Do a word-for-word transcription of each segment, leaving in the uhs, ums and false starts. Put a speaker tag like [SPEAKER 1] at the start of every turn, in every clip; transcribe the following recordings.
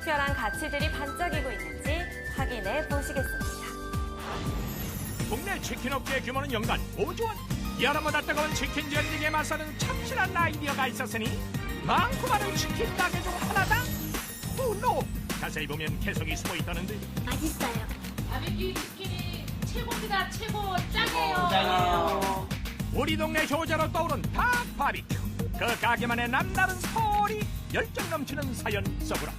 [SPEAKER 1] 특별한 가치들이 반짝이고 있는지 확인해 보시겠습니다.
[SPEAKER 2] 국내 치킨 업계의 규모는 연간 오조 원. 여름보다 뜨거운 치킨 전쟁에 맞서는 참신한 아이디어가 있었으니 많고 많은 치킨 가게 중 하나다. 오노! 자세히 보면 개성이 숨어 있다는데.
[SPEAKER 3] 맛있어요.
[SPEAKER 4] 바비큐 치킨이 최고입니다. 최고 짱이에요.
[SPEAKER 5] 짱이에요.
[SPEAKER 2] 우리 동네 효자로 떠오른 닭 바비큐. 그 가게만의 남다른 소리, 열정 넘치는 사연 속으로.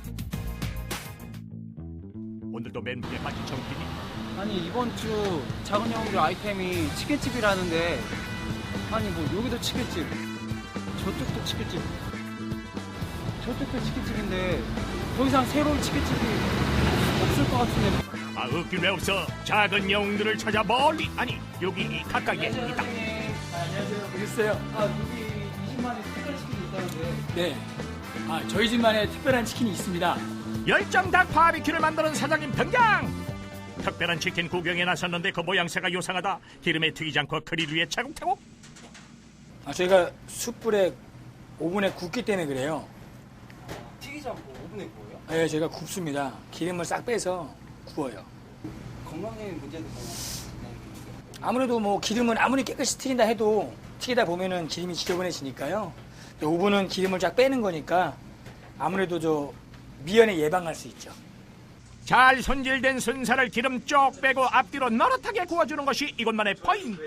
[SPEAKER 2] 오늘도 멘붕에 빠진 정빈이.
[SPEAKER 5] 아니 이번 주 작은 영웅들 아이템이 치킨집이라는데 아니 뭐 여기도 치킨집 저쪽도 치킨집 저쪽도 치킨집인데 더 이상 새로운 치킨집이 없을 것 같은데.
[SPEAKER 2] 아, 웃길 왜 없어. 작은 영웅들을 찾아 멀리, 아니 여기 가까이에 있다.
[SPEAKER 6] 안녕하세요. 오셨어요?
[SPEAKER 5] 아 여기 이십만의 특별 치킨이 있다는데.
[SPEAKER 6] 네. 아, 저희 집만의 특별한 치킨이 있습니다.
[SPEAKER 2] 열정 닭 바비큐를 만드는 사장님 등장. 특별한 치킨 구경에 나섰는데 그 모양새가 요상하다. 기름에 튀기지 않고 그릴 위에 차곡차곡.
[SPEAKER 6] 아, 저희가 숯불에 오븐에 굽기 때문에 그래요.
[SPEAKER 5] 튀기지 않고 오븐에 구워요?
[SPEAKER 6] 네, 저희가 굽습니다. 기름을 싹 빼서 구워요.
[SPEAKER 5] 건강에 문제도 있나요?
[SPEAKER 6] 아무래도 뭐 기름은 아무리 깨끗이 튀긴다 해도 튀기다 보면은 기름이 지저분해지니까요. 오븐은 기름을 쫙 빼는 거니까 아무래도 저 미연에 예방할 수 있죠.
[SPEAKER 2] 잘 손질된 순살을 기름 쪽 빼고 앞뒤로 노릇하게 구워주는 것이 이곳만의 포인트.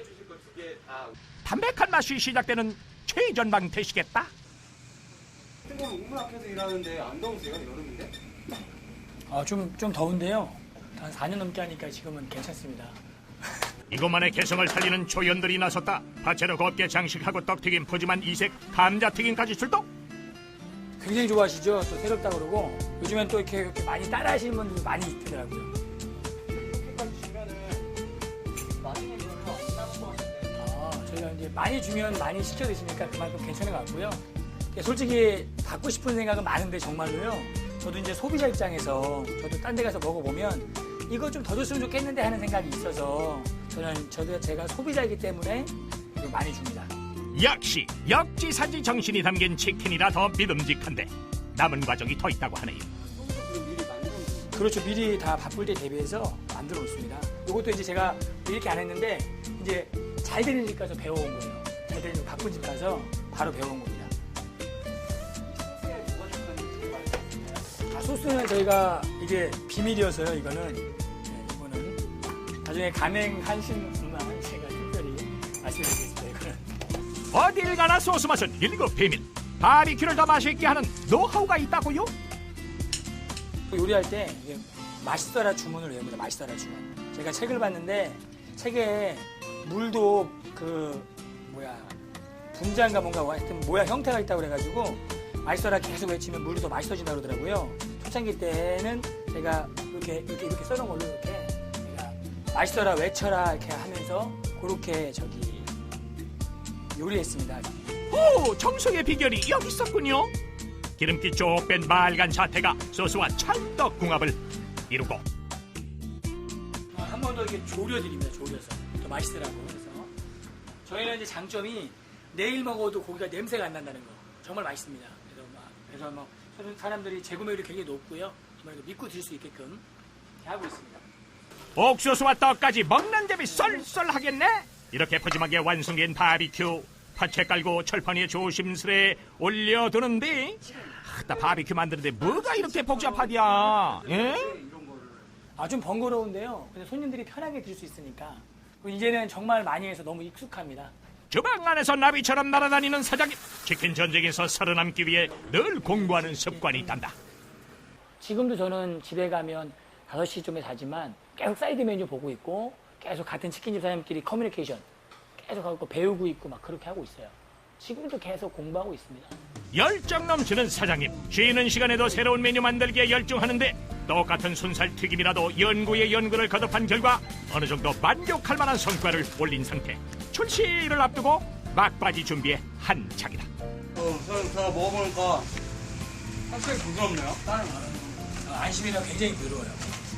[SPEAKER 2] 담백한 맛이 시작되는 최전방 되시겠다.
[SPEAKER 5] 근데 옥문 앞에서 일하는데 안 더우세요? 여름인데?
[SPEAKER 6] 아, 좀, 좀 더운데요. 한 사 년 넘게 하니까 지금은 괜찮습니다.
[SPEAKER 2] 이곳만의 개성을 살리는 초연들이 나섰다. 파채로 곱게 장식하고 떡튀김, 푸짐한 이색, 감자튀김까지 출동.
[SPEAKER 6] 굉장히 좋아하시죠? 또 새롭다 그러고 요즘엔 또 이렇게, 이렇게 많이 따라 하시는 분들이 많이 있더라고요.
[SPEAKER 5] 이렇게까지 주면은 나중에 별로 안 남은 것 같은데.
[SPEAKER 6] 아, 저희가 이제 많이 주면 많이 시켜 드시니까 그만큼 괜찮은 것 같고요. 솔직히 받고 싶은 생각은 많은데 정말로요. 저도 이제 소비자 입장에서 저도 딴 데 가서 먹어보면 이거 좀 더 줬으면 좋겠는데 하는 생각이 있어서 저는 저도 제가 소비자이기 때문에 많이 줍니다.
[SPEAKER 2] 역시 역지사지 정신이 담긴 치킨이라 더 믿음직한데 남은 과정이 더 있다고 하네요.
[SPEAKER 6] 그렇죠. 미리 다 바쁠 때 대비해서 만들어 놓습니다. 이것도 이제 제가 이렇게 안 했는데 이제 잘 되는 집 가서 배워온 거예요. 잘 되는 집 바쁜 집 가서 바로 배워온 겁니다. 아, 소스는 저희가 이게 비밀이어서요. 이거는 네, 이거는 나중에 가맹하신 분만 제가 특별히 말씀드리겠습니다. 이거는
[SPEAKER 2] 어딜 가나 소스 맛은 일급 비밀. 바비큐를 더 맛있게 하는 노하우가 있다고요?
[SPEAKER 6] 요리할 때 이게 맛있어라 주문을 외웁니다. 맛있어라 주문. 제가 책을 봤는데 책에 물도 그 뭐야 분자인가 뭔가 하여튼 모양 형태가 있다고 그래가지고 맛있어라 계속 외치면 물이 더 맛있어진다 그러더라고요. 초창기 때는 제가 이렇게 이렇게 이렇게 써놓은 걸로 이렇게 제가 맛있어라 외쳐라 이렇게 하면서 그렇게 저기 요리했습니다.
[SPEAKER 2] 오, 정성의 비결이 여기 있었군요. 기름기 쪽 뺀 맑은 자태가 소스와 찰떡궁합을 이루고
[SPEAKER 6] 한 번 더 이렇게 졸여드립니다. 졸여서 더 맛있으라고. 그래서 저희는 이제 장점이 내일 먹어도 고기가 냄새가 안 난다는 거 정말 맛있습니다. 그래서 막 그래서 뭐 사람들이 재구매율이 굉장히 높고요. 정말 믿고 드실 수 있게끔 이렇게 하고 있습니다.
[SPEAKER 2] 옥수수와 떡까지 먹는 재미 쏠쏠하겠네. 이렇게 푸짐하게 완성된 바비큐. 파채 깔고 철판 위에 조심스레 올려두는데 나 바비큐 만드는데 뭐가 이렇게 복잡하디야. 예?
[SPEAKER 6] 아, 좀 번거로운데요. 근데 손님들이 편하게 드실 수 있으니까 이제는 정말 많이 해서 너무 익숙합니다.
[SPEAKER 2] 주방 안에서 나비처럼 날아다니는 사장님. 치킨 전쟁에서 살아남기 위해 늘 공부하는 습관이 있단다.
[SPEAKER 6] 지금도 저는 집에 가면 다섯 시쯤에 자지만 계속 사이드 메뉴 보고 있고 계속 같은 치킨집 사장님끼리 커뮤니케이션 계속 하고 배우고 있고 막 그렇게 하고 있어요. 지금도 계속 공부하고 있습니다.
[SPEAKER 2] 열정 넘치는 사장님. 쉬는 시간에도 새로운 메뉴 만들기에 열중하는데 똑같은 순살 튀김이라도 연구에 연구를 거듭한 결과 어느 정도 만족할 만한 성과를 올린 상태. 출시를 앞두고 막바지 준비에 한창이다.
[SPEAKER 5] 어, 저는 제가 먹어보니까 확실히 부드럽네요. 다른
[SPEAKER 6] 어, 안심이라 굉장히 부드러워요.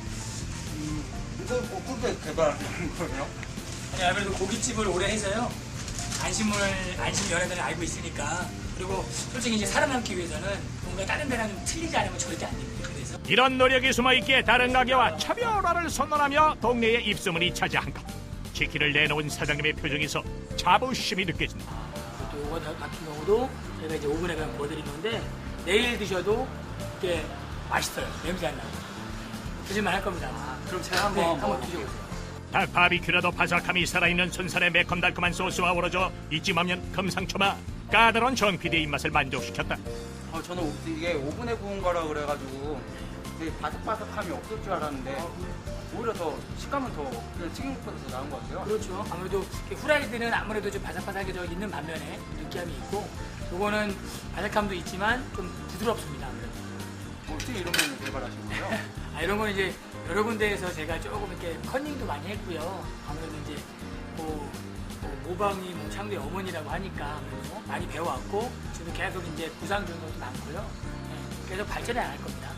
[SPEAKER 5] 음, 이거 어떻게 개발하는 거예요?
[SPEAKER 6] 아니, 아무래도 고깃집을 오래 해서요. 안심을, 안심 연예들을 알고 있으니까 그리고 솔직히 이제 살아남기 위해서는 뭔가 다른 데랑 좀 틀리지 않으면 절대 안 됩니다. 그래서
[SPEAKER 2] 이런 노력이 숨어있기에 다른 가게와 차별화를 선언하며 동네의 입소문이 차지한 것. 치킨을 내놓은 사장님의 표정에서 자부심이 느껴진다.
[SPEAKER 6] 또 이거 같은 경우도 저희가 이제 오븐에 그냥 구워드린 건데 내일 드셔도 이게 맛있어요. 냄새 안 나고 드실만 할 겁니다.
[SPEAKER 5] 그럼 제가 한번
[SPEAKER 6] 네, 한번
[SPEAKER 5] 먹어볼게요.
[SPEAKER 6] 드셔보세요.
[SPEAKER 2] 닭 바비큐라도 바삭함이 살아있는 순살의 매콤달콤한 소스와 어우러져 이쯤 하면 금상첨화 까다로운 정 피디의 입맛을 만족시켰다.
[SPEAKER 5] 어, 저는 오- 이게 오븐에 구운 거라 그래가지고 되게 바삭바삭함이 없을 줄 알았는데 오히려 더 식감은 더 그냥 튀김보다 더 나은 것 같아요.
[SPEAKER 6] 그렇죠. 아무래도 이렇게 후라이드는 아무래도 좀 바삭바삭해져 있는 반면에 느끼함이 있고 요거는 바삭함도 있지만 좀 부드럽습니다. 아무래도.
[SPEAKER 5] 어떻게 이런 메뉴 개발하신 거예요?
[SPEAKER 6] 아, 이런 건 이제 여러 군데에서 제가 조금 이렇게 컨닝도 많이 했고요. 아무래도 이제 뭐, 뭐 모방이 뭐 창조의 어머니라고 하니까 아무래도 많이 배워왔고 지금 계속 이제 구상 중인 것도 많고요. 네, 계속 발전해 나갈 겁니다.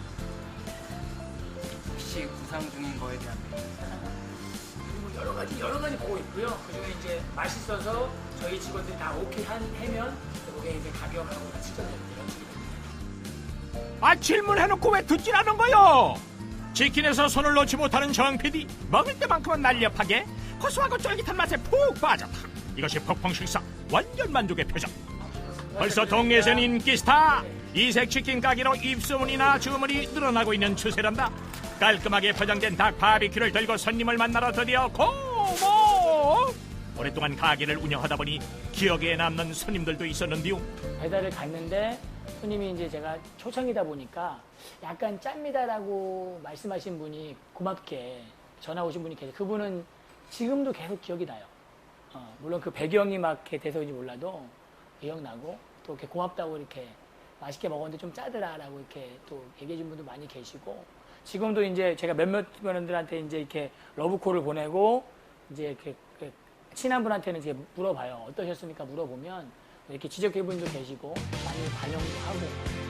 [SPEAKER 5] 혹시 구상 중인 거에 대한 메뉴?
[SPEAKER 6] 그리고 여러 가지 여러 가지 보고 있고요. 그중에 이제 맛있어서 저희 직원들이 다 오케이 한 해면 그게 이제 가격하고 다 측정해요. 이런 식으로.
[SPEAKER 2] 아 질문해놓고 왜 듣질 않은 거요? 치킨에서 손을 놓지 못하는 정 피디 먹을 때만큼은 날렵하게 고소하고 쫄깃한 맛에 푹 빠졌다. 이것이 폭풍 식사 완전 만족의 표정. 벌써 동네에선 인기 스타 이색 치킨 가게로 입소문이나 주문이 늘어나고 있는 추세란다. 깔끔하게 포장된 닭 바비큐를 들고 손님을 만나러 드디어 고모. 오랫동안 가게를 운영하다 보니 기억에 남는 손님들도 있었는데요.
[SPEAKER 6] 배달을 갔는데 손님이 이제 제가 초창이다 보니까 약간 짭니다라고 말씀하신 분이 고맙게 전화 오신 분이 계세요. 그분은 지금도 계속 기억이 나요. 어, 물론 그 배경이 막 이렇게 돼서인지 몰라도 기억나고 또 이렇게 고맙다고 이렇게 맛있게 먹었는데 좀 짜더라라고 이렇게 또 얘기해 준 분도 많이 계시고 지금도 이제 제가 몇몇 분들한테 이제 이렇게 러브콜을 보내고 이제 이렇게 친한 분한테는 이제 물어봐요. 어떠셨습니까? 물어보면 이렇게 지적해 분도 계시고 많이 반영도 하고.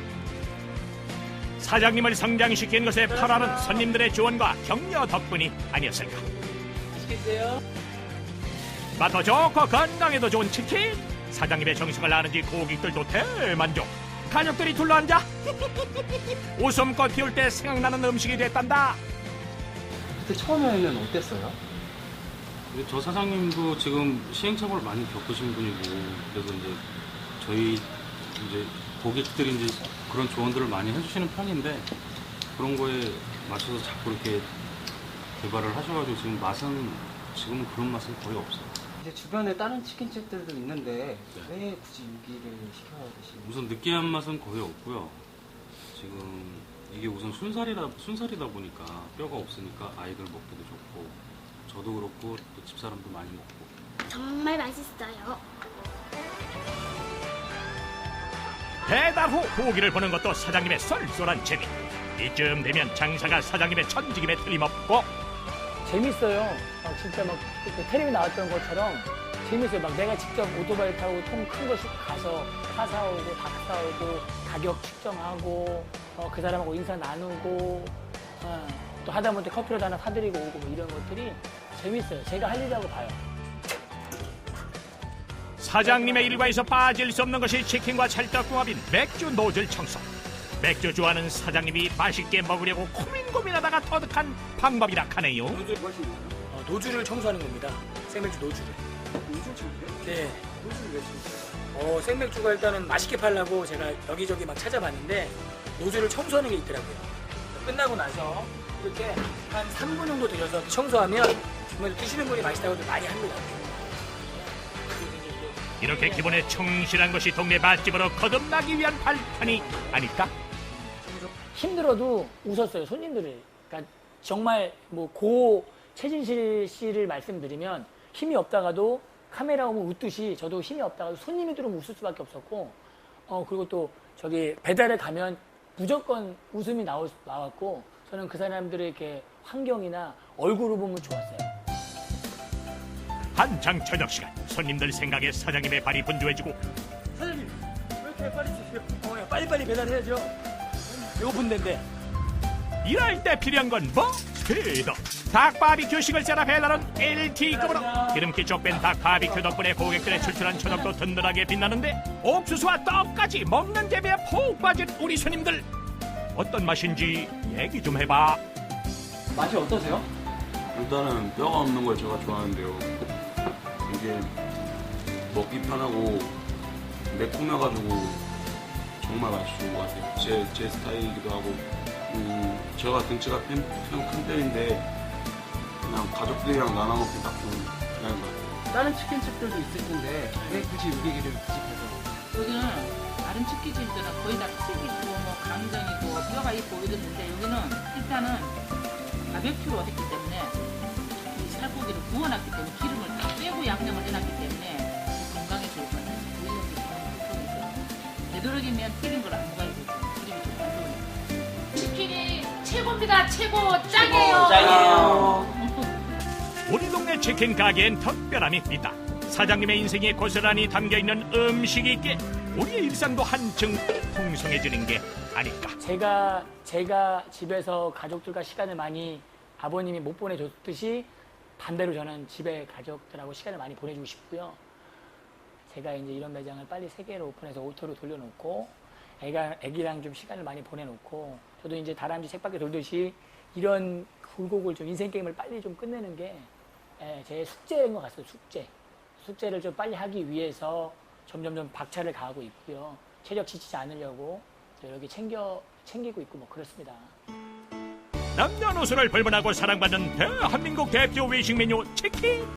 [SPEAKER 2] 사장님을 성장시킨 것에 파라는 손님들의 지원과 격려 덕분이 아니었을까.
[SPEAKER 6] 맛있겠어요?
[SPEAKER 2] 맛도 좋고 건강에도 좋은 치킨. 사장님의 정성을 아는지 고객들도 대만족. 가족들이 둘러앉아 웃음꽃 피울 때 생각나는 음식이 됐단다.
[SPEAKER 5] 그때 처음에는 어땠어요?
[SPEAKER 3] 근데 저 사장님도 지금 시행착오를 많이 겪으신 분이고 그래서 이제 저희 이제 고객들이 이제 그런 조언들을 많이 해주시는 편인데 그런 거에 맞춰서 자꾸 이렇게 개발을 하셔가지고 지금 맛은 지금은 그런 맛은 거의 없어요.
[SPEAKER 5] 이제 주변에 다른 치킨집들도 있는데 왜 굳이 여기를 시켜야 되시?
[SPEAKER 3] 우선 느끼한 맛은 거의 없고요. 지금 이게 우선 순살이라 순살이다 보니까 뼈가 없으니까 아이들 먹기도 좋고 저도 그렇고 또 집사람도 많이 먹고.
[SPEAKER 7] 정말 맛있어요.
[SPEAKER 2] 배달 후 고기를 보는 것도 사장님의 쏠쏠한 재미. 이쯤 되면 장사가 사장님의 천직임에 틀림없고.
[SPEAKER 6] 재밌어요. 막 진짜 막 텔레비 나왔던 것처럼 재밌어요. 막 내가 직접 오토바이 타고 통 큰 거 가서 파 사오고 닭 사오고 가격 측정하고 어, 그 사람하고 인사 나누고 어, 또 하다못해 커피라도 하나 사드리고 오고 뭐 이런 것들이 재밌어요. 제가 할 일이라고 봐요.
[SPEAKER 2] 사장님의 일과에서 빠질 수 없는 것이 치킨과 찰떡궁합인 맥주 노즐 청소. 맥주 좋아하는 사장님이 맛있게 먹으려고 고민고민하다가 터득한 방법이라 하네요.
[SPEAKER 6] 어, 노즐을 청소하는 겁니다. 생맥주 노즐을.
[SPEAKER 5] 노즐 청소요?
[SPEAKER 6] 네.
[SPEAKER 5] 노즐 왜 청소해요?
[SPEAKER 6] 어, 생맥주가 일단은 맛있게 팔려고 제가 여기저기 막 찾아봤는데 노즐을 청소하는 게 있더라고요. 끝나고 나서 이렇게 한 삼 분 정도 들여서 청소하면 정말 드시는 분이 맛있다고 많이 합니다.
[SPEAKER 2] 이렇게 기본에 충실한 것이 동네 맛집으로 거듭나기 위한 발판이 아닐까?
[SPEAKER 6] 힘들어도 웃었어요, 손님들을. 그러니까 정말 뭐 고 최진실 씨를 말씀드리면 힘이 없다가도 카메라 오면 웃듯이 저도 힘이 없다가도 손님이 들어오면 웃을 수밖에 없었고 어 그리고 또 저기 배달에 가면 무조건 웃음이 나올, 나왔고 저는 그 사람들의 이렇게 환경이나 얼굴을 보면 좋았어요.
[SPEAKER 2] 한창 저녁 시간 손님들 생각에 사장님의 발이 분주해지고
[SPEAKER 6] 사장님 왜 이렇게 빨리 주세요? 어, 빨리빨리 배달해야죠. 배고픈데인데.
[SPEAKER 2] 일할 때 필요한 건 뭐? 스피드. 닭 바비큐식을 짜라 배달은 엘티급으로 기름기 쪽 뺀 닭 바비큐 덕분에 고객들의 출출한 저녁도 든든하게 빛나는데 옥수수와 떡까지 먹는 재미에 푹 빠진 우리 손님들 어떤 맛인지 얘기 좀 해봐.
[SPEAKER 5] 맛이 어떠세요?
[SPEAKER 7] 일단은 뼈가 없는 걸 제가 좋아하는데요. 이게 먹기 편하고 매콤해가지고 정말 맛있는 것 같아요. 제, 제 스타일이기도 하고 음, 제가 등치가 큰, 큰 편인데 그냥 가족들이랑 나눠 먹기 딱 좋은 그런 것 같아요.
[SPEAKER 5] 다른 치킨집들도 있을 텐데 왜 굳이 여기를 구직해서?
[SPEAKER 4] 여기는 다른 치킨집들은 거의 다 튀기고 뭐 강정이고 뼈가 있고 이랬는데 여기는 일단은 바베큐로 했기 때문에 이 살코기를 구워놨기 때문에 기름을 다 빼고 양념을 해놨기 때문에 건강에 좋을 것 같아요. 오히려 그런 있어요. 되도록이면 튀긴 걸 안 먹어야 되죠. 기름이 좀 안 좋으니까. 치킨이 최고입니다. 최고 짱이에요.
[SPEAKER 5] 짱이에요.
[SPEAKER 2] 우리 동네 치킨 가게엔 특별함이 있다. 사장님의 인생이 고스란히 담겨있는 음식이 있기에 우리의 일상도 한층 풍성해지는 게 아닐까.
[SPEAKER 6] 제가 제가 집에서 가족들과 시간을 많이 아버님이 못 보내줬듯이 반대로 저는 집에 가족들하고 시간을 많이 보내주고 싶고요. 제가 이제 이런 매장을 빨리 세 개로 오픈해서 오토로 돌려놓고 애가 애기랑 좀 시간을 많이 보내놓고 저도 이제 다람쥐 책밖에 돌듯이 이런 굴곡을 좀 인생 게임을 빨리 좀 끝내는 게 제 숙제인 것 같아요. 숙제. 숙제를 좀 빨리 하기 위해서 점점점 박차를 가하고 있고요. 체력 지치지 않으려고 이렇게 챙겨 챙기고 있고 뭐 그렇습니다.
[SPEAKER 2] 남녀노소를 불문하고 사랑받는 대한민국 대표 외식 메뉴 치킨.